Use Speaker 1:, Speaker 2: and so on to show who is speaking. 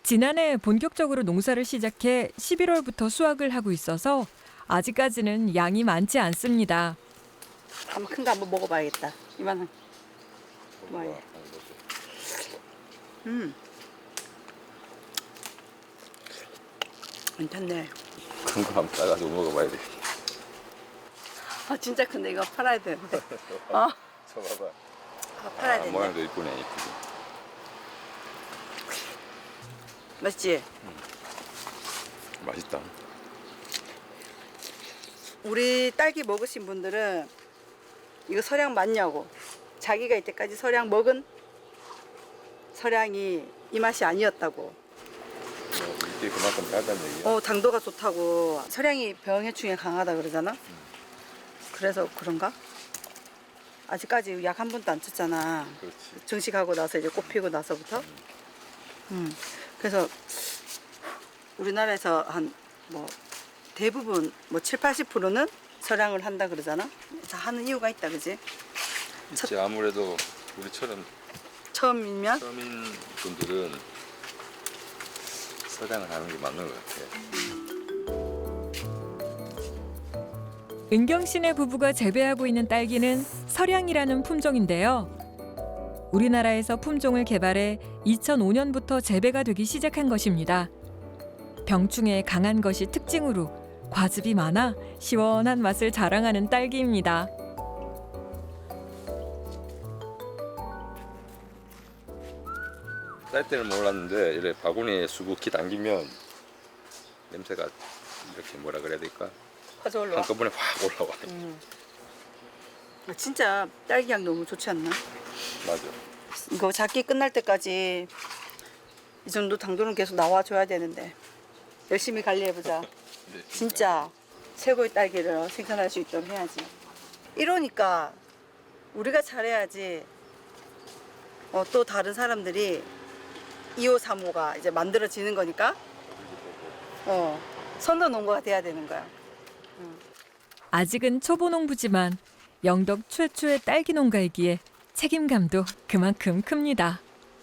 Speaker 1: 지난해 본격적으로 농사를 시작해 11월부터 수확을 하고 있어서 아직까지는 양이 많지 않습니다.
Speaker 2: 한번 큰 거 한번 먹어봐야겠다. 이만한. 뭐야? 괜찮네.
Speaker 3: 큰 거 한번 따가지고 먹어봐야 돼.
Speaker 2: 아 진짜 큰데 이거 팔아야 되는데. 어?
Speaker 3: 쳐봐봐.
Speaker 2: 아, 팔아야 되는데.
Speaker 3: 모양도 이쁘네, 이쁘게.
Speaker 2: 맛있지?
Speaker 3: 맛있다.
Speaker 2: 우리 딸기 먹으신 분들은 이거 서량 맞냐고. 자기가 이때까지 서량 먹은 서량이 이 맛이 아니었다고.
Speaker 3: 뭐 이게 그만큼 달다는 얘기야.
Speaker 2: 당도가 좋다고. 서량이 병해충에 강하다 그러잖아. 그래서 그런가? 아직까지 약 한 번도 안 쳤잖아.
Speaker 3: 그렇지.
Speaker 2: 정식하고 나서 이제 꽃 피고 나서부터. 그래서 우리나라에서 한 뭐 대부분 뭐 7, 80%는 서량을 한다 그러잖아. 그래서 하는 이유가 있다, 그지?
Speaker 3: 그치, 아무래도 우리처럼
Speaker 2: 처음이면
Speaker 3: 서민 분들은 서량을 하는 게 맞는 것 같아.
Speaker 1: 은경 씨네 부부가 재배하고 있는 딸기는 서량이라는 품종인데요. 우리나라에서 품종을 개발해 2005년부터 재배가 되기 시작한 것입니다. 병충해에 강한 것이 특징으로 과즙이 많아 시원한 맛을 자랑하는 딸기입니다.
Speaker 3: 딸 때는 몰랐는데 이래 바구니에 수북히 당기면 냄새가 이렇게 뭐라 그래야 될까?
Speaker 2: 화져 올라와.
Speaker 3: 한꺼번에 확 올라와.
Speaker 2: 진짜 딸기 향 너무 좋지 않나?
Speaker 3: 맞아.
Speaker 2: 이거 작기 끝날 때까지 이 정도 당도는 계속 나와줘야 되는데 열심히 관리해보자. 진짜 최고의 딸기를 생산할 수 있도록 해야지. 이러니까 우리가 잘해야지 또 다른 사람들이 2호, 3호가 이제 만들어지는 거니까 선도 농부가 돼야 되는 거야.
Speaker 1: 아직은 초보 농부지만 영덕 최초의 딸기 농가이기에 책임감도 그만큼 큽니다.